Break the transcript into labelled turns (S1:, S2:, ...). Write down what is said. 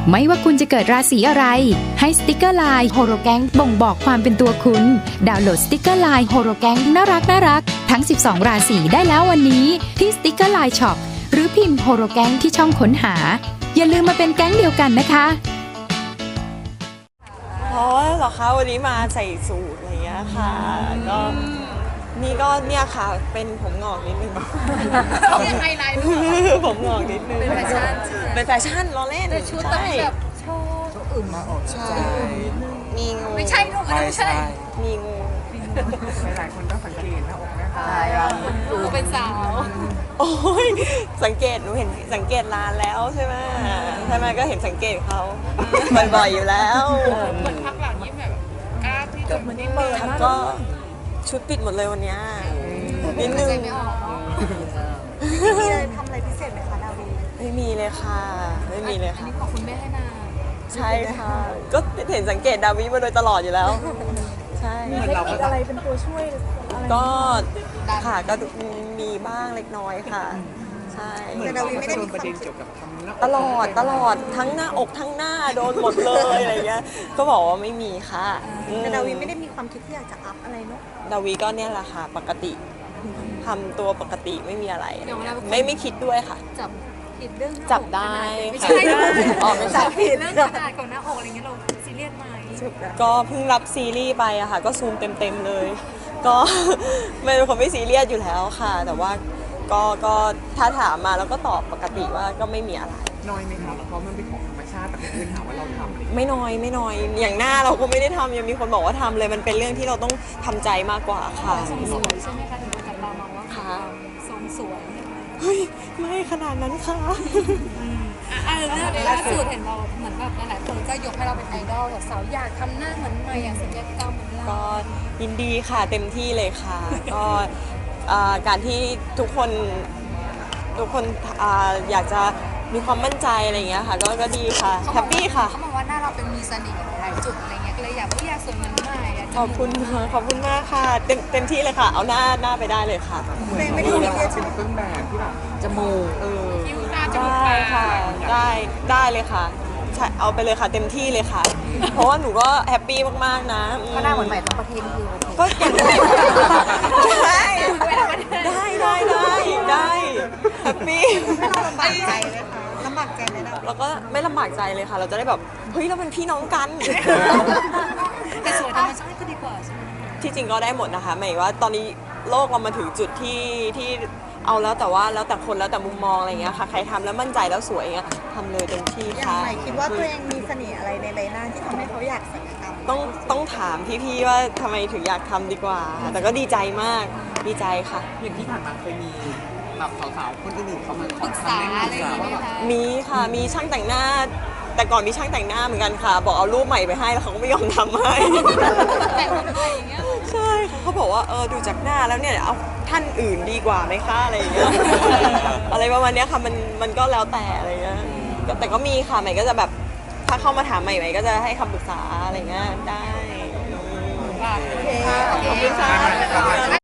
S1: ไม่ว่าคุณจะเกิดราศีอะไรให้สติกเกอร์ไลน์โฮโรแกงบ่งบอกความเป็นตัวคุณดาวน์โหลดสติกเกอร์ไลน์โฮโรแกงน่ารักทั้ง12ราศีได้แล้ววันนี้ที่สติกเกอร์ไลน์ช็อปหรือพิมพ์โฮโรแกงที่ช่องค้นหาอย่าลืมมาเป็นแก๊งเดียวกันนะคะ
S2: เพราะเหรอคะวันนี้มาใส่สูทอะไรอย่างเงี้ยค่ะก็นี่ก็เนี่ยค่ะเป็นผมงอกนิดนึง
S3: ยังไงไลน์
S2: ผมงอกนิดนึง
S3: เป็นแฟชั่น
S2: เป็นแฟชั่นล้อเล่น
S3: แต่ชุดต้องแบบโชว์อึ่งมาออก
S2: ใช่มีงู
S3: ไม่ใช่ลูกไม่ใช่
S2: มีงู
S4: หลายคนต้องสังเกตหน้าอกแม่ค่ะ
S3: ดูเป็นสาว
S2: โอ้ยสังเกตหนูเห็นสังเกตนานแล้วใช่ไหมก็เห็นสังเกตเขาบ่อยๆอยู่แล้ว
S3: เหมือนพักหลังนี้แบบกล้าที่จะมันไม่เปิด
S2: ก็ชุดปิดหมดเลยวันนี้นิดนึง
S3: ไม่ออก
S5: มีอะไรทำอะไรพิเศษไหมคะดาวี
S2: ไม่มีเลยค่ะไม่มีเลยค่ะ
S3: อันนี้ขอบคุณแม่ให้นา
S2: ใช่ค่ะก็เห็นสังเกตดาวิมาโดยตลอดอยู่แล้วใช่
S5: มีเทคนิคอะไรเป็นตัวช่วย
S2: ก็ค่ะก็มีบ้างเล็กน้อยค่ะใช่
S5: แต่ดาวีไม่ได้มี
S4: ประเด็นเกี่ยวกับทำหน้า
S2: ตลอดทั้งหน้าอกทั้งหน้าโดนหมดเลยอะไรเงี้ยก็บอกว่าไม่มีค่ะ
S5: แต่ดาวีไม่ได้มีความคิดที่อยากจะอัพอะไรเนาะ
S2: ดาวีก็เนี่ยแหละค่ะปกติทำตัวปกติไม่มีอะไรไม่คิดด้วยค่ะ
S3: จับผิดเรื่อง
S2: จับได้
S3: ไม่
S2: ค่ะ
S3: ใช่
S2: อ๋อไม่ใช่
S3: เรื่องขนาดของหน้าอกอะไรเงี้ยเราซีเรียสไหม
S2: ก็เพิ่งรับซีรีส์ไปอะค่ะก็ซูมเต็มเลยก็เป็นคนไม่ซีเรียสอยู่แล้วค่ะแต่ว่าก็ถ้าถามมาแล้วก็ตอบปกติว่าก็ไม่มีอะไร
S4: น้อยไหมคะเพราะมันเป็นของธรรมชาติแต่คนอื่นถามว่าเราทำ
S2: ไม่น้อยอย่างหน้าเราก็ไม่ได้ทำยังมีคนบอกว่าทำเลยมันเป็นเรื่องที่เราต้องทำใจมากกว่าค่ะ
S3: ทรงสวยใช่ไหมคะถึงจับตามองว่าค่ะทรงสวย
S2: เฮ้ยไม่ขนาดนั้นค่ะ
S3: เรื่องล่าสุดเห็นเราเหมือนแบบหลายคนก็ยกให้เราเป็นไอดอลแบบสาวอยากทำหน้าเหมือนใหม่อยากศัลยกรรมเหมือนเรา
S2: ก็ยินดีค่ะเต็มที่เลยค่ะก็การที่ทุกคนอยากจะมีความมั่นใจอะไรอย่างเงี้ยค่ะก็ดีค่ะแฮปปี้ค่ะ
S3: เขาบอกว่าหน้าเราเป็นมีเสน่ห์หลายจุดอะไรเงี้ยก็เลยอยากสวยเหมือนใหม่
S2: ขอบคุณมากค่ะเต็มที่เลยค่ะเอาหน้าไปได้เลยค่ะ
S4: ไม่ได้มีเป็นเครื่องแบบที่แบบจมูก
S3: คิ้วหน้าจมูก
S2: ได้ค่ะได้เลยค่ะเอาไปเลยค่ะเต็มที่เลยค่ะเพราะว่าหนูก็แฮปปี้มากๆนะ
S5: ก็หน้าเหมือนใหม่ทั้งประเทศคือ
S2: ก็อย่างได้แฮปปี้
S5: ลำบากใจเลยค่ะลำบากใจเลยนะ
S2: แล้วก็ไม่ลำบากใจเลยค่ะเราจะได้แบบเฮ้ยเราเป็นพี่น้องกัน
S3: แต่สวยธรรมชาติก็ดีกว่าใช่ไหม
S2: ที่จริงก็ได้หมดนะคะหมายว่าตอนนี้โลกเรามาถึงจุดที่เอาแล้วแต่ว่าแล้วแต่คนแล้วแต่มุมมองอะไรเงี้ยค่ะใครทำแล้วมั่นใจแล้วสวยเงี้ยทำเลยเต็มที่ค่ะ
S5: ใหม่คิดว่าตัวเองมีเสน่ห์อะไรในใบหน้าที่ทำให้เขาอยากศัลยกรรม
S2: ต้องถามพี่ๆว่าทำไมถึงอยากทำดีกว่าแต่ก็ดีใจมากดีใจค่ะ
S4: อย่างที่ผ่านมาเคยมีแบบสาวๆคนอื่นเขามาขอ
S3: ปรึกษาอะไรอย่างเงี้ย
S2: มีค่ะมีช่างแต่งหน้าแต่ก่อนมีช่างแต่งหน้าเหมือนกันค่ะบอกเอารูปใหม่ไปให้แล้วเขาก็ไม่ยอมทำให้
S3: แต่งใหม่อย่างเงี้ย
S2: ใช่เขาบอกว่าดูจากหน้าแล้วเนี่ยเอาท่านอื่นดีกว่าไหมคะอะไรอย่างเงี้ยอะไรประมาณนี้ค่ะมันก็แล้วแต่อะไรเงี้ยแต่ก็มีค่ะใหม่ก็จะแบบถ้าเข้ามาถามใหม่ก็จะให้คำปรึกษาอะไรเงี้ยได้
S3: โอเค
S2: ขอบคุณค่ะ